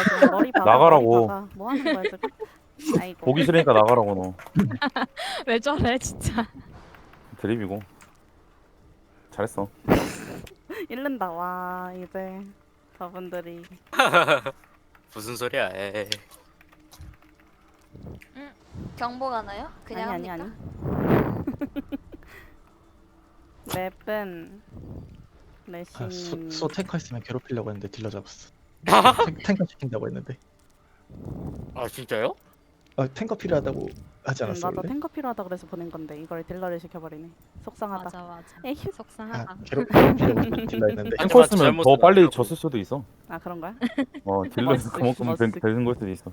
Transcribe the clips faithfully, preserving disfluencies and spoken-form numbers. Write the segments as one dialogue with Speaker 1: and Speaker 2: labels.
Speaker 1: 지금 머리 박아.
Speaker 2: 나가라고.
Speaker 1: 머리 박아. 뭐 하는 거야 지금? 아이고.
Speaker 2: 보기 싫으니까 나가라고 너.
Speaker 3: 왜 저래 진짜.
Speaker 2: 드립이고. 잘했어.
Speaker 1: 잃는다. 와 이제 저분들이
Speaker 4: 무슨 소리야? 에이.
Speaker 5: 경보 가나요? 그냥
Speaker 1: 아니 아니
Speaker 5: 합니까?
Speaker 1: 아니. 맵은
Speaker 6: 아, 수,
Speaker 1: 레신.
Speaker 6: 수 탱커 있으면 괴롭히려고 했는데 딜러 잡았어. 탱, 탱커 시킨다고 했는데.
Speaker 4: 아 진짜요?
Speaker 6: 아, 탱커 필요하다고 하지
Speaker 1: 응,
Speaker 6: 않았어
Speaker 1: 나도
Speaker 6: 원래?
Speaker 1: 탱커 필요하다 그래서 보낸 건데 이걸 딜러를 시켜버리네. 속상하다.
Speaker 3: 맞아 맞아.
Speaker 1: 에휴.
Speaker 3: 속상하다.
Speaker 6: 아, 괴롭, 괴롭히려고 딜러 했는데.
Speaker 4: 한
Speaker 2: 탱커
Speaker 4: 번
Speaker 2: 있으면
Speaker 4: 잘못
Speaker 2: 더 빨리
Speaker 4: 쓰더라고.
Speaker 2: 졌을 수도 있어.
Speaker 1: 아 그런 거야?
Speaker 2: 어 딜러에서
Speaker 1: 머쓱,
Speaker 2: 그만큼
Speaker 1: 머쓱.
Speaker 2: 되- 되는 걸 수도 있어.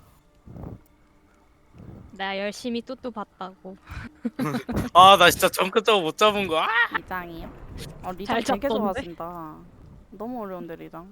Speaker 3: 내가 열심히 뚜뚜 봤다고.
Speaker 4: 아 나 진짜 정크 저거 못 잡은 거. 아!
Speaker 1: 리장이요? 어 리장
Speaker 3: 잘
Speaker 1: 되게
Speaker 3: 잡던데?
Speaker 1: 좋아하신다. 너무 어려운데 리장.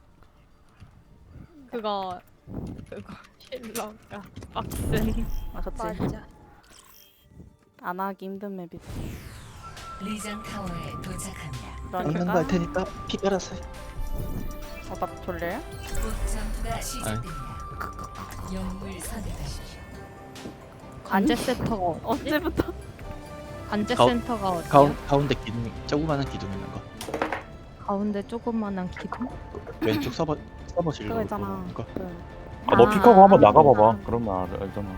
Speaker 3: 그거 그거 힐러가 빡센.
Speaker 1: 아 그치.
Speaker 5: 맞아.
Speaker 1: 안 하기 힘든 맵이지.
Speaker 7: 리장 타워에 도착합니다.
Speaker 6: 막는
Speaker 1: 그러니까.
Speaker 6: 거 할 테니까 피 깔아서 해.
Speaker 1: 어나 졸려요?
Speaker 7: 곧 전투가 시작됩니다. 영웅을 선택하십시오.
Speaker 3: 관제 센터가
Speaker 1: 언제부터?
Speaker 3: 관제
Speaker 6: 가운-
Speaker 3: 센터가 어디야?
Speaker 6: 가운, 가운데 기둥, 조그마한 기둥 있는 거.
Speaker 3: 가운데 조그만한 기둥?
Speaker 6: 왼쪽 서버 서버 진로.
Speaker 1: 그거 있잖아.
Speaker 6: 거.
Speaker 1: 그
Speaker 2: 아, 너
Speaker 3: 아.
Speaker 2: 픽하고 한번 나가봐봐. 그러면 알, 알잖아.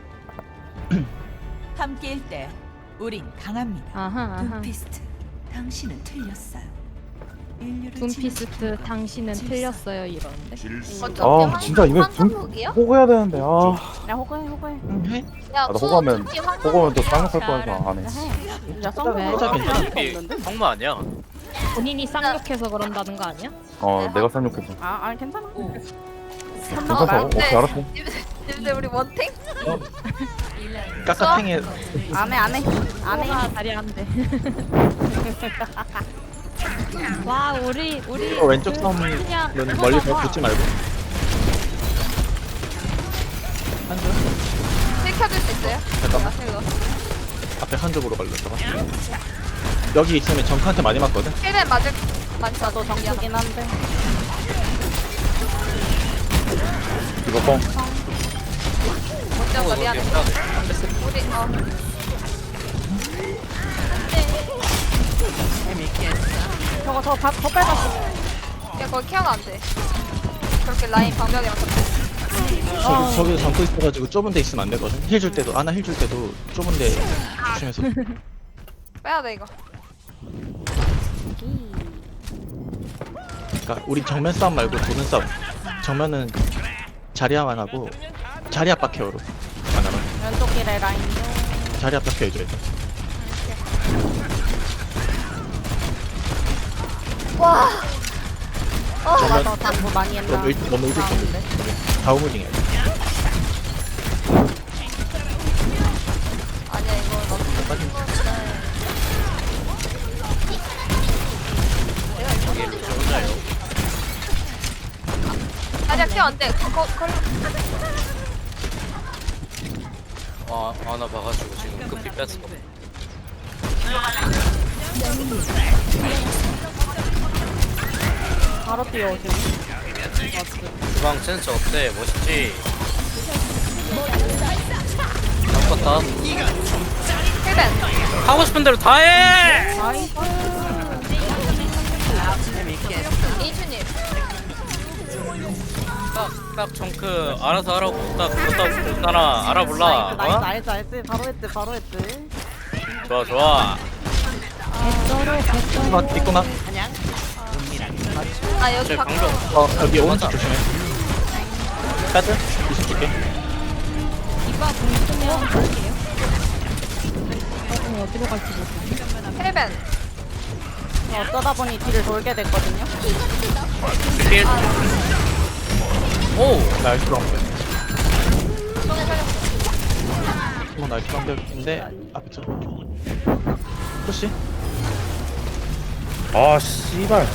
Speaker 7: 함께일 때 우린 강합니다.
Speaker 3: 아하 아하.
Speaker 7: 둠피스트, 당신은 틀렸어요. 인류를
Speaker 3: 둠피스트
Speaker 7: 진화시키는
Speaker 3: 당신은
Speaker 7: 질서.
Speaker 3: 틀렸어요 이러는데.
Speaker 1: 어,
Speaker 2: 아, 진짜 이거 좀-
Speaker 5: 한국이요?
Speaker 2: 호구해야 되는데 아.
Speaker 1: 야 호구해 호구해.
Speaker 6: 응, 해?
Speaker 5: 야,
Speaker 2: 아, 나
Speaker 5: 수-
Speaker 2: 호구하면
Speaker 5: 투피 황금
Speaker 2: 호구하면 또
Speaker 5: 어디야?
Speaker 2: 쌍욕할 거여서 안 해.
Speaker 1: 야 해. 야
Speaker 3: 왜?
Speaker 1: 쌍꺼풀
Speaker 6: 어차피
Speaker 1: 할 수가
Speaker 4: 이
Speaker 1: 없는데?
Speaker 4: 성마 아니야?
Speaker 3: 본인이 쌍욕해서 그런다는 거 아니야?
Speaker 2: 어 내가 쌍욕했어.
Speaker 1: 아 아니 괜찮아.
Speaker 2: 괜찮다고?
Speaker 5: 아,
Speaker 2: 오케이
Speaker 5: 네.
Speaker 2: 알았어.
Speaker 5: 근데 우리 원탱?
Speaker 6: 까까탱에
Speaker 1: 안해 안해 안해.
Speaker 3: 아 다리 안 돼. 와 우리 우리
Speaker 6: 어, 왼쪽
Speaker 3: 그
Speaker 6: 섬은
Speaker 3: 그냥 그거
Speaker 6: 멀리서
Speaker 3: 봐봐.
Speaker 6: 붙지 말고. 한쪽
Speaker 5: 힐 켜줄 수 있어요?
Speaker 6: 잠깐만.
Speaker 5: 아, 이거.
Speaker 6: 앞에 한쪽으로 걸렸다가. 여기 있으면 정크한테 많이 맞거든.
Speaker 5: 힐맨 맞을 많지
Speaker 1: 나도
Speaker 5: 않아.
Speaker 1: 정수긴 한데.
Speaker 2: 이거 뻥.
Speaker 5: 못 잡아 미안해. 우리 어.
Speaker 1: 저거 저거 다- 더 빼놨어.
Speaker 5: 야 거기 케어가 안 돼. 그렇게 라인 방벽이랑 같이.
Speaker 6: 저기 저기도 잠고 있어가지고 좁은 데 있으면 안 되거든. 힐 줄 때도 아나 힐 줄 때도 좁은 데 조심해서.
Speaker 5: 빼야 돼 이거.
Speaker 6: 그러니까 우리 정면 싸움 말고 도는 싸움. 정면은 자리야만 하고 자리 압박 케어로 안 하면
Speaker 1: 왼쪽 길에 라인요.
Speaker 6: 자리 압박 케어 해줘야 돼.
Speaker 5: 와. 어.
Speaker 6: 정면
Speaker 1: 나도 당구 많이 했나?
Speaker 6: 너무 일 너무 일찍
Speaker 1: 나오는데.
Speaker 6: 던데. 다우무징 해야 돼.
Speaker 5: 아니야 이거 너무
Speaker 6: 빠진.
Speaker 5: 아니야 케어 안 돼. 거 거.
Speaker 4: 아 하나 봐가지고 지금 급히 뺐어.
Speaker 1: 바로 뛰어오시네.
Speaker 4: 주방 센스 어때? 멋있지? 아깝다.
Speaker 5: 힐맨.
Speaker 4: 하고 싶은 대로 다 해.
Speaker 1: 나이스.
Speaker 5: 이춘님.
Speaker 4: 딱딱 정크 알아서 하라고 딱 그렇다고 그랬잖아. 알아볼라.
Speaker 1: 나이스
Speaker 4: 어?
Speaker 1: 나이스 알지. 바로 했지 바로 했지.
Speaker 4: 좋아 좋아.
Speaker 6: 이거 있구나.
Speaker 5: 아 여기
Speaker 4: 제
Speaker 5: 박.
Speaker 4: 방금
Speaker 6: 어 여기 오른쪽 조심해. 카드 이십 줄게.
Speaker 3: 이봐 공 쓰면 갈게요. 어, 어디로 갈지 모르겠네.
Speaker 5: 힐맨.
Speaker 1: 어쩌다 보니 뒤를 돌게 됐거든요.
Speaker 4: 필. 오.
Speaker 6: 나이스 랑백.
Speaker 5: 손에 살렸어.
Speaker 6: 어 나이스 랑백인데 앞에 쳐. 푸시.
Speaker 2: 아 씨발.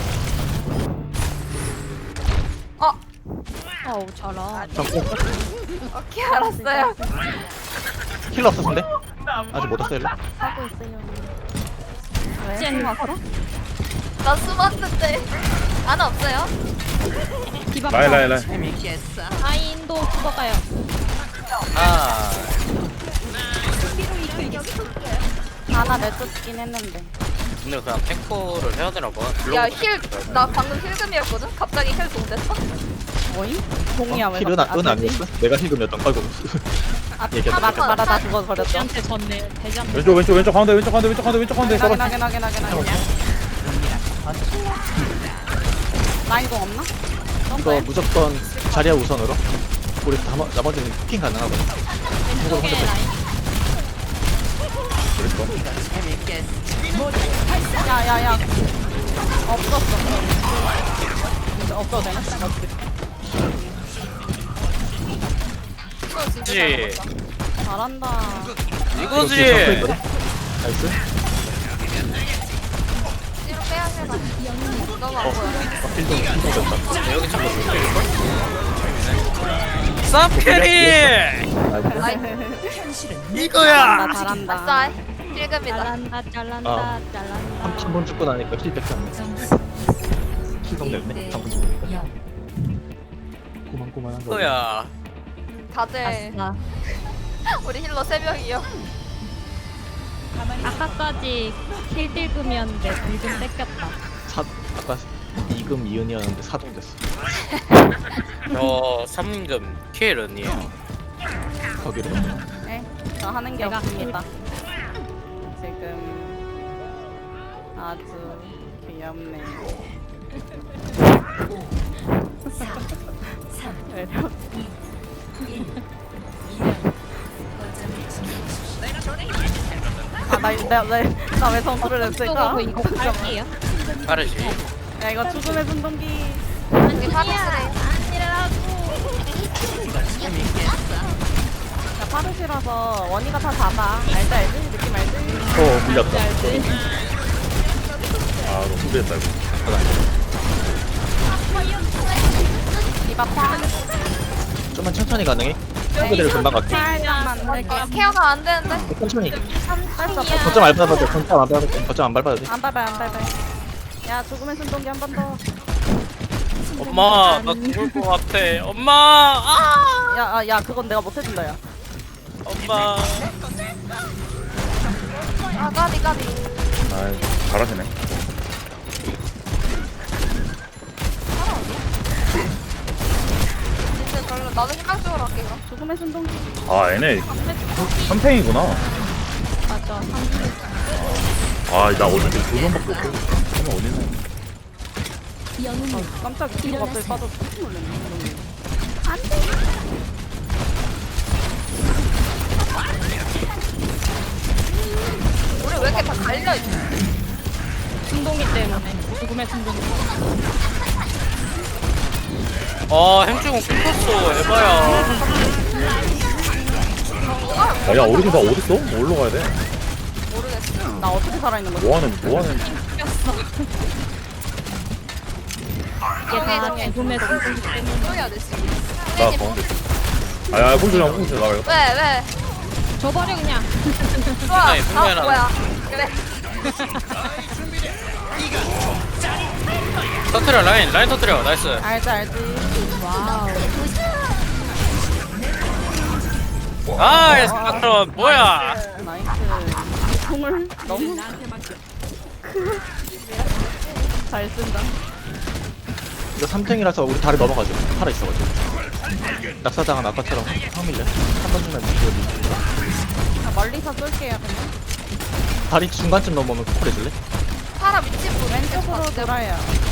Speaker 5: 어.
Speaker 3: 어우 잘하.
Speaker 6: 정크.
Speaker 5: 오케이 알았어요.
Speaker 6: 힐러 없었는데? 아직 못 왔어 힐러.
Speaker 1: 하고 있어요. 왜?
Speaker 3: 찐.
Speaker 1: 왔어?
Speaker 5: 나 숨었는데. 하나 없어요?
Speaker 3: 디바
Speaker 2: 라인 라인 라인.
Speaker 3: 라인도 죽어가요.
Speaker 4: 아
Speaker 1: 하나 내쫓긴 했는데.
Speaker 4: 근데 그냥 탱커를 해야 되나 봐.
Speaker 5: 야 힐 나 방금 힐금이었거든? 갑자기 힐 동됐어?
Speaker 1: 뭐임? 공이야 왜?
Speaker 6: 힐은 아- 은 아니었어? 내가 힐금이었던 걸고.
Speaker 1: 아,
Speaker 6: 얘기했다.
Speaker 1: 말 말하다 죽어 버렸죠.
Speaker 3: 돼지한테 졌네. 돼지한테.
Speaker 2: 왼쪽 왼쪽 왼쪽 가운데 왼쪽 가운데 왼쪽 가운데 왼쪽 가운데
Speaker 1: 나게
Speaker 2: 썰어.
Speaker 1: 나게 나게 나게 나게. 라인 공 없나?
Speaker 6: 이거 무조건 자리야 우선으로. 우리 다, 나머지는 핑 가능하거든.
Speaker 3: 왼쪽에 라인.
Speaker 1: 야야야. 없었어. 이제 없어도 되나?
Speaker 5: 이거 진짜
Speaker 4: 그치.
Speaker 5: 잘 먹었다.
Speaker 1: 잘한다.
Speaker 4: 이거지.
Speaker 6: 나이스.
Speaker 5: 뒤로 빼야 해 나. 너무 안
Speaker 6: 어,
Speaker 5: 보여.
Speaker 6: 어, 힐금, 힐금 됐다.
Speaker 4: 여기 자꾸 죽일걸? 쌉캐리!
Speaker 5: 나이스.
Speaker 4: 이거야!
Speaker 1: 잘한다. 잘한다.
Speaker 5: 아싸 힐금이다.
Speaker 3: 잘한다 잘한다
Speaker 6: 아.
Speaker 3: 잘한다.
Speaker 6: 한 번 죽고 나니까 힐백이 안 나.
Speaker 7: 점수
Speaker 6: 힐금 됐네.
Speaker 7: 일 대
Speaker 6: 한 번 죽으니까.
Speaker 7: 영.
Speaker 6: 고만고만한 거.
Speaker 4: 이거야.
Speaker 5: 다들
Speaker 3: 아싸.
Speaker 5: 우리 힐러 세 명이요.
Speaker 3: 아까까지 킬딜금이었는데 딜금 뺏겼다.
Speaker 6: 사, 아까 이금 이은이었는데 사동 됐어.
Speaker 4: 저 삼금 킬은이에요.
Speaker 6: 거기로.
Speaker 1: 네, 저 하는 게
Speaker 3: 내가
Speaker 1: 없습니다. 지금 아주 귀엽네.
Speaker 7: 삼,
Speaker 1: 매력.
Speaker 7: 일. 아나나나왜
Speaker 1: 성소를 냈을까?
Speaker 3: 쪽으로 이거 갈게요.
Speaker 4: 빠르지.
Speaker 1: 야 이거 죽음의 순동기.
Speaker 5: 이게 파르스래.
Speaker 1: 야 파르시라서 원이가 다 잡아. 알지 알지? 느낌 알지?
Speaker 2: 어 물렸다. 아 너무 준비했다 이거.
Speaker 1: 디바 팡.
Speaker 6: 좀만 천천히 가능해? 친구들을 금방 갈게.
Speaker 1: 살짝만
Speaker 5: 아,
Speaker 1: 내게.
Speaker 5: 케어가 안 되는데.
Speaker 6: 천천히.
Speaker 1: 할수 없어.
Speaker 6: 거점 안 밟아도 돼. 거점 안 밟아도 돼. 거점 안 밟아도 돼.
Speaker 1: 안 밟아요 안 밟아요. 야 죽음의 순동기 한 번 더.
Speaker 4: 엄마, 나 죽을 것 같아. 엄마! 아!
Speaker 1: 야, 아, 야, 그건 내가 못 해준다, 야.
Speaker 4: 엄마.
Speaker 5: 아 까비 까비.
Speaker 2: 아 잘하시네.
Speaker 5: 진짜 별로 나도 생각적으로 할게 이거.
Speaker 1: 죽음의 순동기.
Speaker 2: 아 얘네 삼탱이구나.
Speaker 3: 맞아.
Speaker 2: 아나 어저께 두 번밖에 없고. 그러면 어디는?
Speaker 1: 아, 깜짝이야. 뒤로 갑자기 빠져. 깜짝 놀랐네.
Speaker 5: 우리 왜 이렇게 다 갈려 있지?
Speaker 3: 순동이 때문에. 죽음의 순동이.
Speaker 4: 아, 햄찌공 삐쳤어. 에바야.
Speaker 2: 아야 어디서 나 어딨어? 어디로 가야 돼?
Speaker 5: 모르겠어.
Speaker 1: 나 어떻게 살아있는 거지?
Speaker 2: 뭐하는 뭐하는?
Speaker 3: 이게 다 죽음의 순동이 때문에.
Speaker 5: 또 해야 돼 지금.
Speaker 2: 나 가운데. 아야 꽁주랑 꽁주 나가요.
Speaker 5: 왜 왜?
Speaker 3: 줘버려 그냥.
Speaker 5: 좋아.
Speaker 4: 분명히,
Speaker 5: 아
Speaker 4: 분명히
Speaker 5: 뭐야? 그래.
Speaker 4: 터트려, 라인. 라인 터트려. 나이스.
Speaker 1: 알지, 알지. 와우.
Speaker 4: 아, 스파트론. 뭐야?
Speaker 1: 나이스. 총을 너무 잘 쓴다.
Speaker 6: 이거 삼탱이라서 우리 다리 넘어가죠. 팔아 있어가지고. 낙사당한 아까처럼 확 밀려. 한 번 주면 이거
Speaker 1: 자, 멀리서 쏠게요, 그냥.
Speaker 6: 다리 중간쯤 넘어오면 콜 해줄래?
Speaker 5: 파라 위치 보
Speaker 1: 왼쪽으로 돌아요.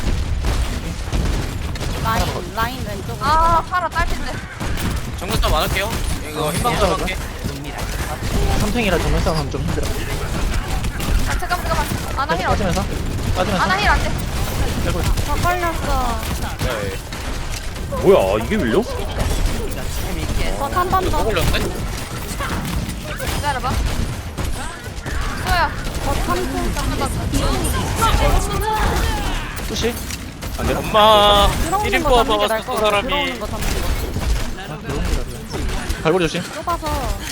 Speaker 1: 라인, 라인 왼쪽으로.
Speaker 5: 아 파라 딸핀데.
Speaker 4: 정글싸움 안 할게요. 이거 힘방 좀 할게.
Speaker 6: 삼탱이라 정면 싸움 하면 좀 힘들어.
Speaker 5: 아 잠깐만 잠깐만. 아나 힐 어디?
Speaker 6: 빠지면서 빠지면서
Speaker 5: 아나 힐 안 돼.
Speaker 6: 빼고
Speaker 1: 더 걸렸어.
Speaker 4: 네.
Speaker 2: 뭐야 이게 밀려?
Speaker 1: 한 번
Speaker 4: 이거
Speaker 1: 더.
Speaker 4: 또 걸렸네?
Speaker 5: 기다려봐. 소야.
Speaker 1: 더 삼 초.
Speaker 6: 푸시? 안 돼?
Speaker 4: 엄마.
Speaker 1: 들어오는
Speaker 4: 일 인
Speaker 1: 거
Speaker 4: 포화
Speaker 1: 잡는 게
Speaker 4: 박았어,
Speaker 1: 나을
Speaker 4: 그
Speaker 1: 것 같아.
Speaker 4: 사람이.
Speaker 1: 들어오는 거 잡는 거.
Speaker 6: 갈고리 조심.
Speaker 1: 좁아서.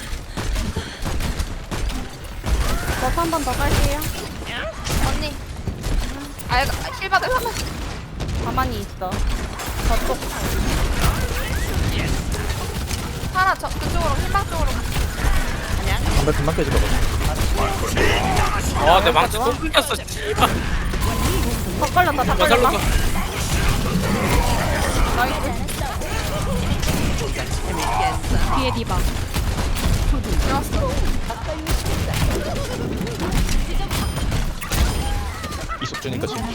Speaker 1: 버스 한 번 더 깔게요.
Speaker 5: 언니. 아 힐 받을 하면.
Speaker 1: 가만히 있어.
Speaker 5: 하나 저 그쪽으로 흰방 쪽으로.
Speaker 6: 담배 금방 깨지거든.
Speaker 4: 아내 망치 또 끊겼어 씨발.
Speaker 7: 더 걸렸다 더
Speaker 4: 야 살려줘.
Speaker 7: 걸렸다.
Speaker 3: 뒤에 디바.
Speaker 6: 이속 주니까 지금.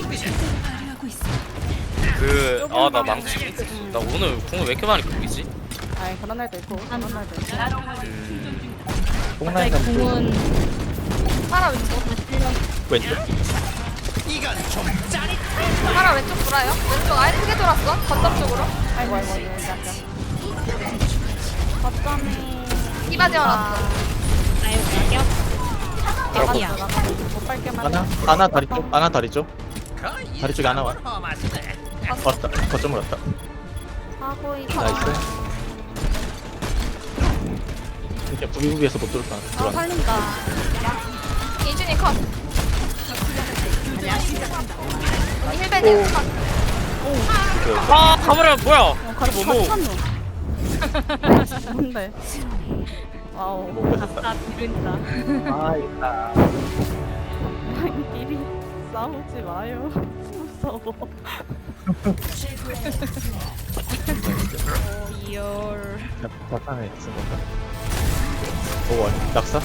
Speaker 4: 그아 나 망치 나 오늘 궁을 왜 이렇게 많이 끊기지?
Speaker 7: 아이 그런 날도 있고 그런 날도 있고.
Speaker 6: 뽕라인 가면 또
Speaker 3: 궁은
Speaker 5: 하나 왼쪽.
Speaker 6: 왼쪽.
Speaker 5: 하나 왼쪽 돌아요. 왼쪽 아예 크게 돌았어. 거점 쪽으로.
Speaker 7: 아이고 아이고 아이고 앉아. 거점이
Speaker 5: 디바 재워놨어.
Speaker 3: 아유 가격. 여기야.
Speaker 7: 못 밟게 만들.
Speaker 6: 하나 하나 다리 쪽. 하나 다리 쪽. 다리 쪽에 하나 와. 왔다. 거점으로 왔다.
Speaker 7: 하고 있어.
Speaker 6: 나이스. 이렇게 부비부비해서 못 들어올 거
Speaker 7: 아
Speaker 6: 들어와.
Speaker 7: 살린다.
Speaker 5: 이준이 컷. 언니 힐벤이 컷.
Speaker 4: 아 가버려 뭐야?
Speaker 7: 어, 가,
Speaker 4: 이거 뭐
Speaker 7: 갇혔노. 뭔데? 와우.
Speaker 6: 못 뺏었다.
Speaker 3: 나 비른다.
Speaker 6: 아 있다.
Speaker 7: 끼리 싸우지 마요. 무서워.
Speaker 3: 이열.
Speaker 6: 자판에 쓴 건가? 오 아니 낙사?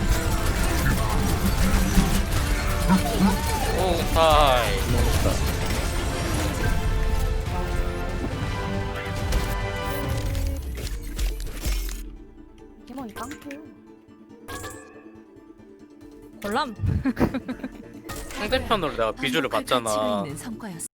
Speaker 4: 오 타이.
Speaker 6: 먹었다.
Speaker 7: 포켓몬이 깡패요.
Speaker 3: 골람.
Speaker 4: 상대편으로 내가 비주를 봤잖아.